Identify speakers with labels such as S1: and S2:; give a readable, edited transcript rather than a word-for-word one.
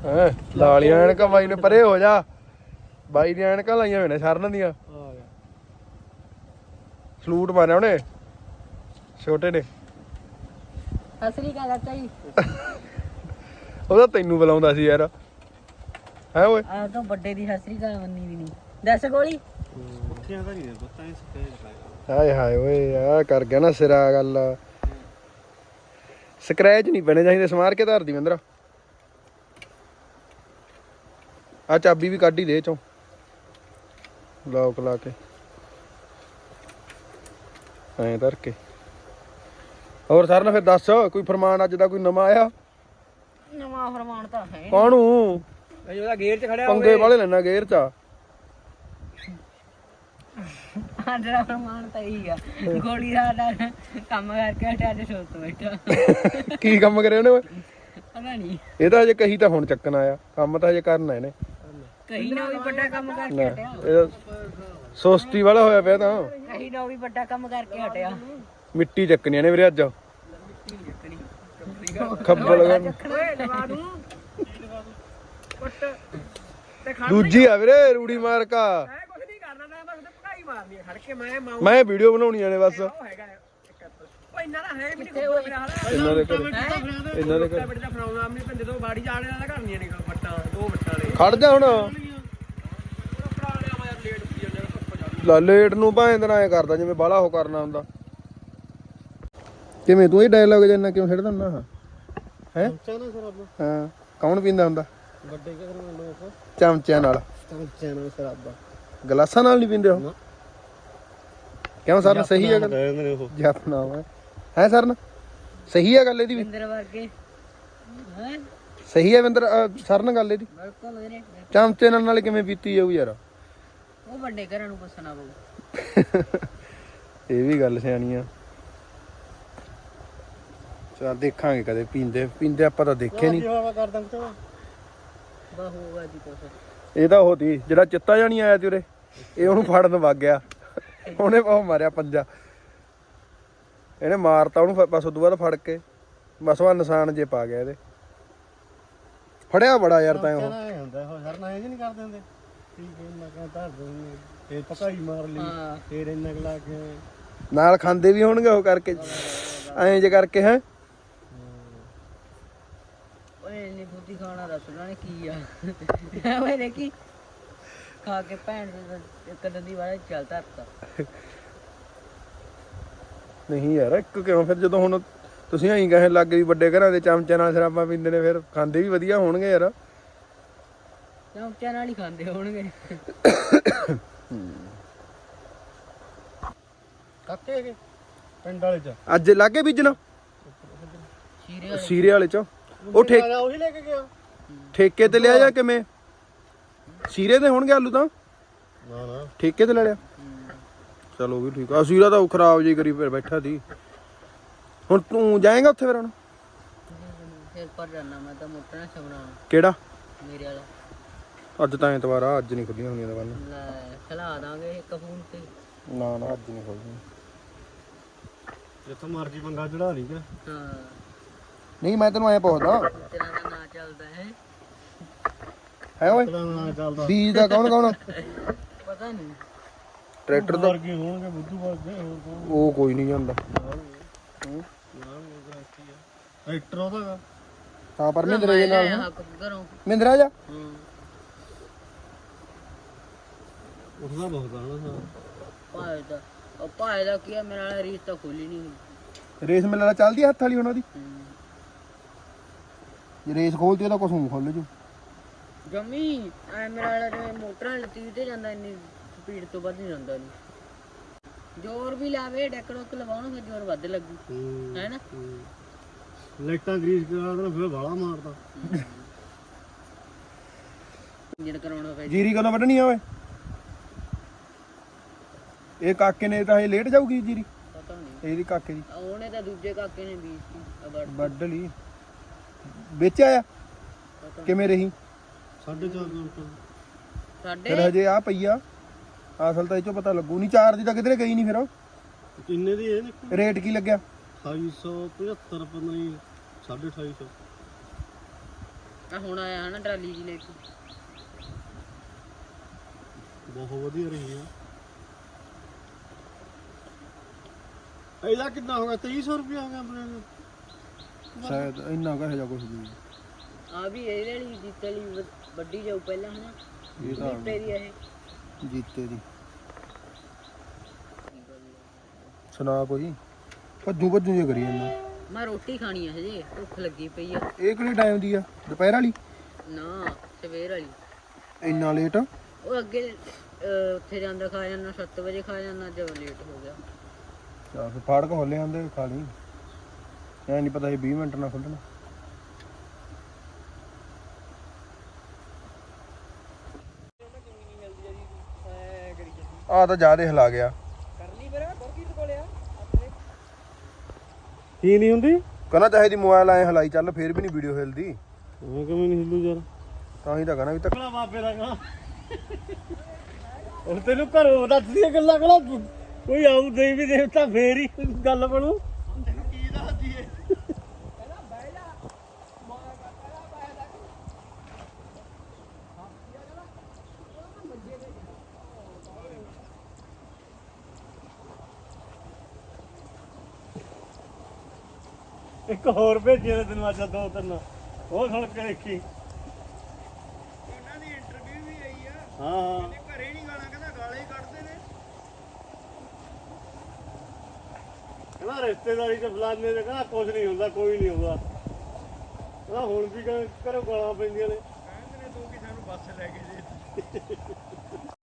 S1: ਹੈ ਲਾਲੀਆਂ ਐਨਕਾਂ ਬਾਈ ਨੇ ਪਰੇ ਹੋ ਜਾ ਬਾਈ ਦੀਆਂ ਐਨਕਾਂ ਲਾਈਆਂ ਹੋਏ ਨੇ ਸ਼ਰਨ ਦੀਆਂ ਸਲੂਟ ਮਾਰਿਆ ਉਹਨੇ ਛੋਟੇ ਨੇ
S2: ਅਸਲੀ ਗੱਲ ਚਾਹੀ
S1: ਉਹਦਾ ਤੈਨੂੰ ਬੁਲਾਉਂਦਾ ਸੀ ਯਾਰ ਹੈ ਓਏ
S2: ਆ ਤਾਂ ਵੱਡੇ ਦੀ ਅਸਲੀ ਗੱਲ ਮੰਨੀ ਵੀ ਨਹੀਂ ਦੱਸ ਗੋਲੀ
S3: ਉੱਠਿਆਂ ਦਾ ਨਹੀਂ ਪਤਾ ਇਸ ਤੇ
S1: ਹਾਏ ਹਾਏ ਓਏ ਆ ਕਰ ਗਿਆ ਨਾ ਸਿਰਾ ਗੱਲ ਸਕ੍ਰੈਚ ਨਹੀਂ ਪੈਣੇ ਚਾਹੀਦੇ ਸਮਾਰ ਕੇ ਧਰਦੀ ਮੰਦਰਾ ਆ ਚਾਬੀ ਵੀ ਕੱਢ ਹੀ ਦੇ ਚੋਂ ਲੌਕ ਲਾ ਕੇ ਐਂ ਧਰ ਕੇ ਹੋਰ ਸਰ ਨਾ ਫਿਰ ਦੱਸ ਕੋਈ ਫਰਮਾਨ ਅੱਜ ਦਾ ਕੋਈ ਨਵਾਂ ਆਇਆ
S2: ਨਵਾਂ ਫਰਮਾਨ ਤਾਂ ਹੈ
S1: ਕਾਹਨੂੰ
S3: ਉਹਦਾ ਗੇਅਰ 'ਚ ਖੜਿਆ
S1: ਪੰਗੇ ਵਾਲੇ ਲੈਣਾ ਗੇਅਰ ਚ
S2: ਅੱਜ ਦਾ ਫਰਮਾਨ ਤਾਂ ਇਹੀ ਆ ਗੋਲੀ ਦਾ ਕੰਮ ਕਰਕੇ ਹਟਿਆ ਅੱਜ ਸੋਚ ਬੈਠਾ
S1: ਕੀ ਕੰਮ ਕਰਿਆ ਉਹਨੇ ਓਏ
S2: ਪਤਾ ਨਹੀਂ
S1: ਇਹ ਤਾਂ ਹਜੇ ਕਹੀ ਤਾਂ ਹੁਣ ਚੱਕਣ ਆਇਆ ਕੰਮ ਤਾਂ ਹਜੇ ਕਰਨਾ ਇਹਨੇ
S2: ਕਹੀ ਨਾ ਵੀ ਵੱਡਾ ਕੰਮ ਕਰਕੇ ਹਟਿਆ
S1: ਇਹ ਸੁਸਤੀ ਵਾਲਾ ਹੋਇਆ ਪਿਆ ਤਾਂ
S2: ਕਹੀ ਨਾ ਵੀ ਵੱਡਾ ਕੰਮ ਕਰਕੇ ਹਟਿਆ
S1: ਮਿੱਟੀ ਚੱਕਣੀ ਨੇ ਵੀਰੇ ਅੱਜ ਖੱਬਲ ਦੂਜੀ ਆ ਵੀਰੇ ਰੂੜੀ ਮਾਰਕਾ ਮੈਂ ਵੀਡੀਓ ਬਣਾਉਣੀ ਆ ਨੇ ਬਸ ਇਹਨਾਂ ਦੇ ਘਰ ਖੜ ਜਾ ਹੁਣ ਲਾ ਲੇਟ ਨੂੰ ਭਾਵੇਂ ਦਿਨ ਐ ਕਰਦਾ ਜਿਵੇਂ ਬਾਹਲਾ ਉਹ ਕਰਨਾ ਹੁੰਦਾ ਕਿਵੇਂ ਤੂੰ ਇਹ ਡਾਇਲੌਗ ਜਿੰਨਾ ਕਿਉਂ ਛੱਡਦਾ ਹੁੰਦਾ ਹੈ ਹਾਂ ਕੌਣ ਪੀਂਦਾ ਹੁੰਦਾ
S3: ਵੱਡੇ ਘਰ
S1: ਚਮਚਿਆਂ ਨਾਲ
S3: ਸ਼ਰਾਬਾ
S1: ਗਲਾਸਾਂ ਨਾਲ ਨਹੀਂ ਪੀਂਦੇ ਉਹ ਕਿਉਂ ਸਰ ਸਹੀ ਹੈ ਗੱਲ
S3: ਉਹ
S1: ਜਪਨਾ ਹੈ ਸਰ ਸਹੀ ਹੈ ਗੱਲ ਇਹਦੀ ਵੀ
S2: ਇੰਦਰ ਵਰਗੇ ਹੈ
S1: ਸਹੀ ਹੈ ਵਿੰਦਰ ਸਰ ਨਾਲ ਗੱਲ ਇਹਦੀ
S2: ਬਿਲਕੁਲ ਵੀਰੇ
S1: ਚਮਚੇ ਨਾਲ ਕਿਵੇਂ ਪੀਤੀ ਜਾਊ ਯਾਰ
S2: ਉਹ ਵੱਡੇ ਘਰਾਂ ਨੂੰ ਪੁੱਛਣਾ ਪਊ
S1: ਇਹ ਵੀ ਗੱਲ ਸਿਆਣੀ ਆ ਚਲ ਦੇਖਾਂਗੇ ਕਦੇ ਪੀਂਦੇ ਆਪਾਂ ਤਾਂ ਦੇਖੇ ਨਹੀਂ
S3: ਕਰਦਾ
S2: ਬਾ ਹੋਗਾ ਜੀ ਕੁਛ
S1: ਇਹ ਤਾਂ ਉਹ ਤੀ ਜਿਹੜਾ ਚਿੱਤਾ ਜਾਣੀ ਆਇਆ ਤੀ ਉਰੇ ਇਹ ਉਹਨੂੰ ਫੜਨ ਵਗ ਗਿਆ ਉਹਨੇ ਉਹ ਮਾਰਿਆ ਪੰਜਾ ਇਹਨੇ ਮਾਰਤਾ ਉਹਨੂੰ ਬਸ ਉਦੋਂ ਬਾਅਦ ਫੜ ਕੇ ਬਸ ਉਹ ਨਿਸ਼ਾਨ ਜੇ ਪਾ ਗਿਆ ਇਹਦੇ ਫੜਿਆ ਬੜਾ ਯਾਰ ਤਾਂ ਉਹ
S3: ਹੁੰਦਾ ਉਹ ਸਰ ਨਾ ਇਹ ਨਹੀਂ ਕਰਦੇ ਹੁੰਦੇ ਠੀਕ ਹੈ ਮੈਂ ਕਹਿੰਦਾ ਤੇ ਪਕਾਈ ਮਾਰ ਲਈ ਫੇਰ ਇੰਨਾ ਲਾ ਕੇ
S1: ਨਾਲ ਖਾਂਦੇ ਵੀ ਹੋਣਗੇ ਉਹ ਕਰਕੇ ਐਂ ਜੇ ਕਰਕੇ ਹੈ
S2: ਓਏ ਨਹੀਂ ਬੁੱਧੀ ਖਾਣਾ ਦੱਸ ਉਹਨਾਂ ਨੇ ਕੀ ਆ ਓਏ ਦੇਖੀ ਖਾ ਕੇ ਭੈਣ ਇੱਕ ਦੰਦੀ ਵਾਲਾ ਚੱਲ ਧਰਤਾ
S1: ਨਹੀਂ ਯਾਰ ਇੱਕ ਕਿਉਂ ਫਿਰ ਜਦੋਂ ਹੁਣ ਤੁਸੀਂ ਐਂ ਕਹੇ ਲੱਗ ਵੀ ਵੱਡੇ ਘਰਾਂ ਦੇ ਚਮਚਿਆਂ ਨਾਲ ਸ਼ਰਾਬਾਂ ਪੀਂਦੇ ਨੇ ਫਿਰ ਖਾਂਦੇ ਵੀ ਵਧੀਆ ਹੋਣਗੇ ਯਾਰ
S2: ਚਮਚਿਆਂ ਨਾਲ ਹੀ ਖਾਂਦੇ ਹੋਣਗੇ
S3: ਕੱਕੇ ਕੇ ਪਿੰਡ ਵਾਲੇ ਚ
S1: ਅੱਜ ਲਾਗੇ ਬੀਜਣਾ ਸੀਰੇ ਵਾਲੇ ਚ ਉਹ
S3: ਉਹੀ ਲੈ ਕੇ ਗਿਆ
S1: ਠੇਕੇ ਤੇ ਲਿਆ ਜਾਂ ਕਿਵੇਂ ਸੀਰੇ ਦੇ ਹੋਣਗੇ ਆਲੂ ਤਾਂ
S3: ਨਾ
S1: ਠੇਕੇ ਤੇ ਲੈ ਲਿਆ ਚਲੋ ਵੀ ਠੀਕ ਆ ਸੀਰਾ ਤਾਂ ਉਹ ਖਰਾਬ ਜੀ ਕਰੀ ਫਿਰ ਬੈਠਾ ਸੀ ਹੁਣ ਤੂੰ ਜਾਏਗਾ ਉੱਥੇ ਫਿਰ ਹੁਣ
S2: ਫਿਰ ਪਰ ਜਾਣਾ ਮੈਂ ਤਾਂ ਮੋਟਰ ਨਾਲ ਬਣਾਉਣਾ
S1: ਕਿਹੜਾ
S2: ਮੇਰੇ ਵਾਲਾ
S1: ਅੱਜ ਤਾਂ ਐਤਵਾਰ ਆ ਅੱਜ ਨਹੀਂ ਖੁੱਲੀਆਂ ਹੁੰਦੀਆਂ ਦੁਕਾਨਾਂ
S2: ਲੈ ਖਲਾ ਦਾਂਗੇ ਇੱਕ ਫੋਨ ਤੇ
S1: ਨਾ ਨਾ ਅੱਜ ਨਹੀਂ ਖੁੱਲਦੀਆਂ
S3: ਜਿੱਥੋਂ ਮਰਜੀ ਪੰਗਾ ਚੜਾ ਲਈ ਕਿ
S2: ਹਾਂ
S1: ਨਹੀਂ ਮੈਂ ਤੈਨੂੰ ਐ ਪੁੱਛਦਾ
S2: ਤੇਰਾ ਦਾ ਨਾਂ ਚੱਲਦਾ ਹੈ
S1: ਹੈ ਓਏ
S3: ਨਾ ਚੱਲਦਾ
S1: ਬੀਜ ਦਾ ਕੌਣ
S2: ਪਤਾ ਨਹੀਂ
S1: ਟਰੈਕਟਰ ਦਾ
S3: ਵਰਗੇ ਹੋਣਗੇ ਬੁੱਧੂ ਵਰਗੇ ਹੋਰ ਕੌਣ
S1: ਉਹ ਕੋਈ ਨਹੀਂ ਜਾਂਦਾ
S3: ਟਰੈਕਟਰ ਉਹਦਾ
S1: ਹਾਂ ਪਰ ਮਹਿੰਦਰਾ ਦੇ ਨਾਲ
S2: ਹੱਕ ਕਰੋ
S1: ਮਹਿੰਦਰਾ ਜਾ
S3: ਉਹਦਾ ਬਹੁਤ ਆਣਾ
S2: ਭਾਏ ਦਾ ਕੀ ਆ ਮੇਰੇ ਨਾਲ ਰੀਸ ਤਾਂ ਖੋਲੀ ਨਹੀਂ
S1: ਰੇਸ ਮੇਲਾ ਚੱਲਦੀ ਆ ਹੱਥ ਵਾਲੀ ਉਹਨਾਂ ਦੀ ਜੇ ਰੇਸ ਖੋਲਦੀ ਉਹਦਾ ਕੁਛ ਨੂੰ ਖੁੱਲ ਜੂ
S2: ਜਮੀ ਐ ਮੇਰੇ ਵਾਲਾ ਜਿਵੇਂ ਮੋਟਰਾਂ ਲੱਤੀ ਤੇ ਜਾਂਦਾ ਇੰਨੀ ਸਪੀਡ ਤੋਂ ਵੱਧ ਨਹੀਂ ਜਾਂਦਾ ਨਹੀਂ ਜ਼ੋਰ ਵੀ ਲਾਵੇ ਡੈਕ ਡੁੱਕ ਲਵਾਉਣ ਫਿਰ ਜ਼ੋਰ ਵੱਧ ਲੱਗੂ ਹੈ ਨਾ
S3: ਲਾਈਟਾਂ ਗਰੀਸ ਕਰਾ ਦੇਣਾ ਫਿਰ ਵਾਲਾ ਮਾਰਦਾ
S2: ਇੰਜਣ ਕਰਾਉਣਾ ਪੈ
S1: ਜੀਰੀ ਕਦੋਂ ਵੱਢਣੀ ਆ ਓਏ ਇਹ ਕਾਕੇ ਨੇ ਤਾਂ ਇਹ ਲੇਟ ਜਾਊਗੀ ਜੀਰੀ
S2: ਪਤਾ ਨਹੀਂ
S1: ਇਹਦੀ ਕਾਕੇ ਦੀ
S2: ਉਹਨੇ ਤਾਂ ਦੂਜੇ ਕਾਕੇ ਨੇ ਬੀਜਤੀ
S1: ਵੱਢ ਲਈ ਵਿੱਚ ਆਇਆ ਕਿਵੇਂ ਰਹੀ
S3: 4.5 ਘੰਟੇ
S2: ਸਾਡੇ
S1: ਫਿਰ ਹਜੇ ਆ ਪਈਆ ਅਸਲ ਤਾਂ ਇਹ ਚੋਂ ਪਤਾ ਲੱਗੂ ਨਹੀਂ ਚਾਰ ਦੀ ਤਾਂ ਕਿਧਰੇ ਗਈ ਨਹੀਂ ਫਿਰ
S3: ਕਿੰਨੇ ਦੀ ਇਹ
S1: ਰੇਟ ਕੀ ਲੱਗਿਆ
S3: 2875 ਪਤਾ ਨਹੀਂ 2850
S2: ਆ ਹੁਣ ਆਇਆ ਹਨਾ ਟਰਾਲੀ ਜੀ ਲੈ ਕੇ।
S3: ਬਹੁਤ ਵਧੀਆ ਰਹੀ ਆ। ਇਹਦਾ ਕਿੰਨਾ ਹੋ ਗਿਆ 2300 ਰੁਪਏ ਹੋ ਗਿਆ ਆਪਣੇ ਨੂੰ
S1: ਸ਼ਾਇਦ ਇੰਨਾ ਕਹੇ ਜਾ ਕੁਝ ਵੀ।
S2: ਆ ਵੀ ਇਹਦੇ ਵਾਲੀ ਜੀਤੇ ਵਾਲੀ ਵੱਡੀ ਜਾਊ ਪਹਿਲਾਂ ਹਨਾ।
S1: ਇਹ ਤਾਂ
S2: ਜੀਤੇ ਦੀ ਇਹ
S1: ਜੀਤੇ ਦੀ। ਸੁਣਾ ਕੋਈ ਭੱਜੂ ਭੱਜੂ ਜੇ ਕਰੀ ਜਾਂਦਾ।
S2: ਮੈਂ ਰੋਟੀ ਖਾਣੀ ਆ ਹਜੇ, ਭੁੱਖ ਲੱਗੀ ਪਈ ਆ।
S1: ਇਹ ਕਿਹੜੇ ਟਾਈਮ ਦੀ ਆ? ਦੁਪਹਿਰ ਵਾਲੀ?
S2: ਨਾ ਸਵੇਰ ਵਾਲੀ।
S1: ਇੰਨਾ ਲੇਟ?
S2: ਉਹ ਅੱਗੇ ਉੱਥੇ ਜਾਂਦਾ ਖਾ ਜਾਂਦਾ 7 ਵਜੇ ਖਾ ਜਾਂਦਾ, ਜਦ ਲੇਟ ਹੋ ਗਿਆ।
S1: ਚਾ ਫਿਰ ਫਾੜਕ ਖੋਲੇ ਆਂਦੇ ਖਾ ਲਈ। ਐ ਨਹੀਂ ਪਤਾ ਇਹ 20 ਮਿੰਟ ਨਾਲ ਖੁੱਲਣਾ। ਆ ਤਾਂ ਜ਼ਿਆਦਾ ਹਿਲਾ ਗਿਆ।
S2: ਕਰਨੀ ਫਿਰ ਗੁਰਕੀਰਤ ਕੋਲੇ ਆ
S3: ਕੀ ਨਹੀਂ ਹੁੰਦੀ
S1: ਕਹਿੰਦਾ ਚਾਹੇ ਦੀ ਮੋਬਾਈਲ ਐ ਹਲਾਈ ਚੱਲ ਫੇਰ ਵੀ ਨਹੀਂ ਵੀਡੀਓ ਹਿਲਦੀ।
S3: ਉਹ ਕਿਵੇਂ ਨਹੀਂ ਹਿੱਲੂ ਯਾਰ?
S1: ਤਾਂ ਹੀ ਤਾਂ ਕਹਿੰਦਾ ਵੀ ਤੱਕ
S3: ਕਲਾ ਬਾਬੇ ਦਾ ਕਲਾ ਉਹ ਤੈਨੂੰ ਘਰੋਂ ਦੱਸਦੀਆਂ ਗੱਲਾਂ ਕਲਾ ਕੋਈ ਆਊ ਦੇਵੀ ਦੇਵਤਾ ਫੇਰ ਹੀ ਗੱਲ ਬਣੂ। ਤੈਨੂੰ ਕੀ ਦੱਸਦੀ ਏ? ਇੱਕ ਹੋਰ ਭੇਜਿਆ ਤੈਨੂੰ ਅੱਜ 2-3 ਉਹ ਸੁਣ ਕੇ ਦੇਖੀ।
S1: ਉਹਨਾਂ ਦੀ ਇੰਟਰਵਿਊ ਵੀ ਆਈ ਆ।
S3: ਹਾਂ
S1: ਘਰੇ ਨਹੀਂ ਗਾਣਾ ਕਹਿੰਦਾ ਗਾਲਾਂ ਹੀ ਕੱਢਦੇ ਨੇ।
S3: ਕਹਿੰਦਾ ਰਿਸ਼ਤੇਦਾਰੀ ਚ ਫਲਾਣੇ ਦੇ ਕਹਿੰਦਾ ਕੁਝ ਨਹੀਂ ਹੁੰਦਾ, ਕੋਈ ਨਹੀਂ ਹੁੰਦਾ। ਕਹਿੰਦਾ ਹੁਣ ਵੀ ਘਰੋਂ ਗਾਲਾਂ ਪੈਂਦੀਆਂ ਨੇ।
S1: ਕਹਿੰਦੇ ਨੇ ਤੂੰ ਕੀ ਸਾਨੂੰ ਬੱਸ ਲੈ ਕੇ ਦੇ।